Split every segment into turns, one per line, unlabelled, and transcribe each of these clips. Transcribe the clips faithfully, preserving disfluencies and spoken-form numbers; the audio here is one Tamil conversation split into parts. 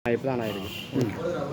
இப்பதான் ஆயிருக்கு.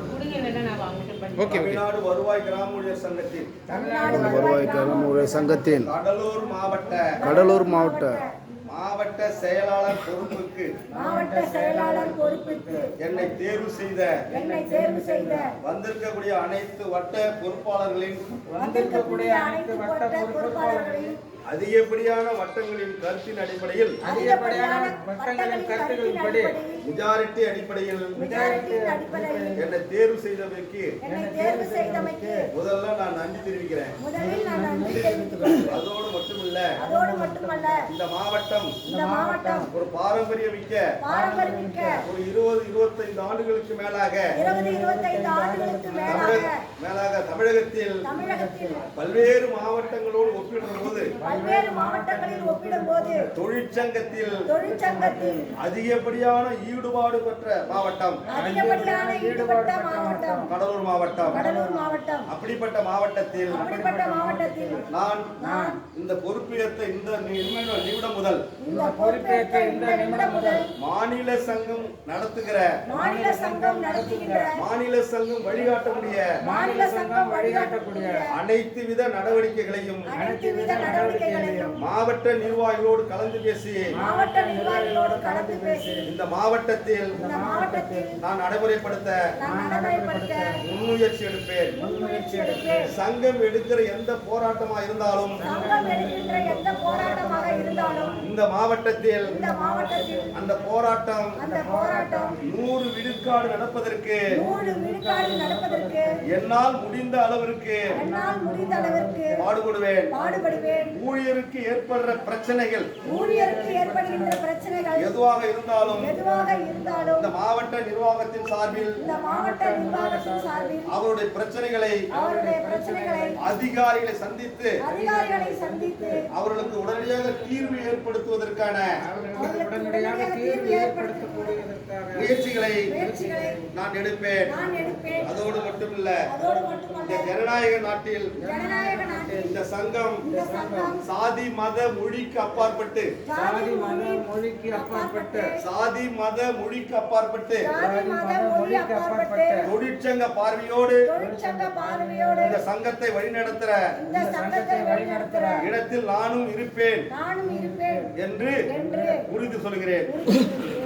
தமிழ்நாடு வருவாய் கிராம ஊழியர் சங்கத்தின்
வருவாய் கிராம ஊழியர் சங்கத்தின்
கடலூர் மாவட்ட
கடலூர் மாவட்ட
மாவட்ட செயலாளர் பொறுப்புக்கு
மாவட்ட செயலாளர் பொறுப்புக்கு
என்னை தேர்வு செய்த
என்னை தேர்வு செய்த
வந்திருக்கக்கூடிய அனைத்து வட்ட பொறுப்பாளர்களின்
வந்திருக்கக்கூடிய அனைத்து வட்ட பொறுப்பாளர்களின்
அதிகப்படியான வட்டங்களின் கருத்தின் அடிப்படையில்
அதிகப்படியான வட்டங்களின் கருத்துகளின்படி
மெஜாரிட்டி அடிப்படையில்
மெஜாரிட்டியின் அடிப்படையில்
என்னை தேர்வு செய்தமைக்கு
என்னை தேர்வு செய்தமைக்கு
முதல்ல நான் நன்றி தெரிவிக்கிறேன்.
முதலில் நான் நன்றி தெரிவித்துக் கொள்கிறேன்.
அதோடு மட்டுமில்ல,
அதோடு மட்டுமல்ல,
இந்த மாவட்டம்
இந்த மாவட்டம்
ஒரு பாரம்பரியமிக்க
பாரம்பரியமிக்க
ஒரு இருபது இருபத்தைந்து ஆண்டுகளுக்கு மேலாக
இருபது இருபத்தைந்து ஆண்டுகளுக்கு மேலாக
தமிழக- மேலாக தமிழகத்தில்
தமிழகத்தில்
பல்வேறு மாவட்டங்களோடு ஒப்பிடும் போது
பல்வேறு மாவட்டங்களில் ஒப்பிடும்போது
தொழிற்சங்கத்தில்
தொழிற்சங்கத்தில்
அதிகப்படியான ஈடுபாடு பெற்ற மாவட்டம்
அதிகப்படியான ஈடுபட்ட மாவட்டம்
கடலூர் மாவட்டம்.
கடலூர் மாவட்டம்.
அப்படிப்பட்ட மாவட்டத்தில்
அப்படிப்பட்ட மாவட்டத்தில்
நான்
நான்
இந்த பொறுப்பேற்ற இந்த நிமிடம் நிமிடம் முதல்
இந்த பொறுப்பேற்ற இந்த நிமிடம் முதல்
மாநில சங்கம் நடத்துகிற
மாநில சங்கம் நடத்துகின்ற
மாநில சங்கம் வழிகாட்டக்கூடிய
மாநில சங்கம் வழிகாட்டக்கூடிய
அனைத்து வித நடவடிக்கைகளையும்
அனைத்து வித நடவடிக்கைகளையும்
மாவட்ட நிர்வாகிகளோடு கலந்து பேசி
மாவட்ட நிர்வாகிகளோடு கலந்து பேசி
இந்த மாவட்டத்தில்
இந்த மாவட்டத்தில்
நான் நடைமுறைப்படுத்த
நான் நடைமுறைப்படுத்த
முன்முயற்சி எடுப்பேன்.
முன்முயற்சி எடுப்பேன்.
சங்கம் எடுக்கிற எந்த போராட்டமா இருந்தாலும்
சங்கம் எடுக்கின்ற எந்த போராட்டமாக இருந்தாலும்
இந்த மாவட்டத்தில்
இந்த மாவட்டத்தில்
அந்த போராட்டம்
அந்த போராட்டம்
நூறு விழுக்காடு நடப்பதற்கு
நூறு விழுக்காடு நடப்பதற்கு
என்னால் முடிந்த அளவிற்கு
என்னால் முடிந்த அளவிற்கு
பாடுபடுவேன்.
பாடுபடுவேன்.
ஊழியருக்கு ஏற்படுற பிரச்சனைகள்
ஊழியருக்கு ஏற்படுகின்ற பிரச்சனைகள்
எதுவாக இருந்தாலும்
எதுவாக இருந்தாலும்
இந்த மாவட்ட நிர்வாகத்தின் சார்பில்
இந்த மாவட்ட நிர்வாகத்தின் சார்பில்
அவருடைய பிரச்சனைகளை
அவருடைய பிரச்சனைகளை
அதிகாரிகளை சந்தித்து
அதிகாரிகளை சந்தித்து
அவர்களுக்கு உடனடியாக தீர்வு ஏற்படுத்துவதற்கான
அவர்களுக்கு உடனடியாக தீர்வு ஏற்படுத்தக்கூடியதற்கான
முயற்சிகளை
முயற்சிகளை
நான் எடுப்பேன்.
நான் எடுப்பேன்.
அதோடு மட்டுமில்ல,
அதோடு
இந்த
மட்டுமல்ல,
ஜனநாயக நாட்டில்
ஜனநாயக நாட்டில்
இந்த சங்கம்
இந்த சங்கம்
சாதி மத மொழிக்கு அப்பாற்பட்டு
ஜாதி மொழிக்கு அப்பாற்பட்டு
சாதி மத மொழிக்கு அப்பாற்பட்டு
ஜாதி மத மொழி அப்பாற்பட்டு
தொழிற்சங்க பார்வையோடு
தொழிற்சங்க பார்வையோடு
இந்த சங்கத்தை வழிநடத்துற
இந்த சங்கத்தை வழிநடத்துகிற
இடத்தில் நானும் இருப்பேன்
நானும் இருப்பேன்
என்று
என்று
உறுதி சொல்கிறேன்.
உறுதி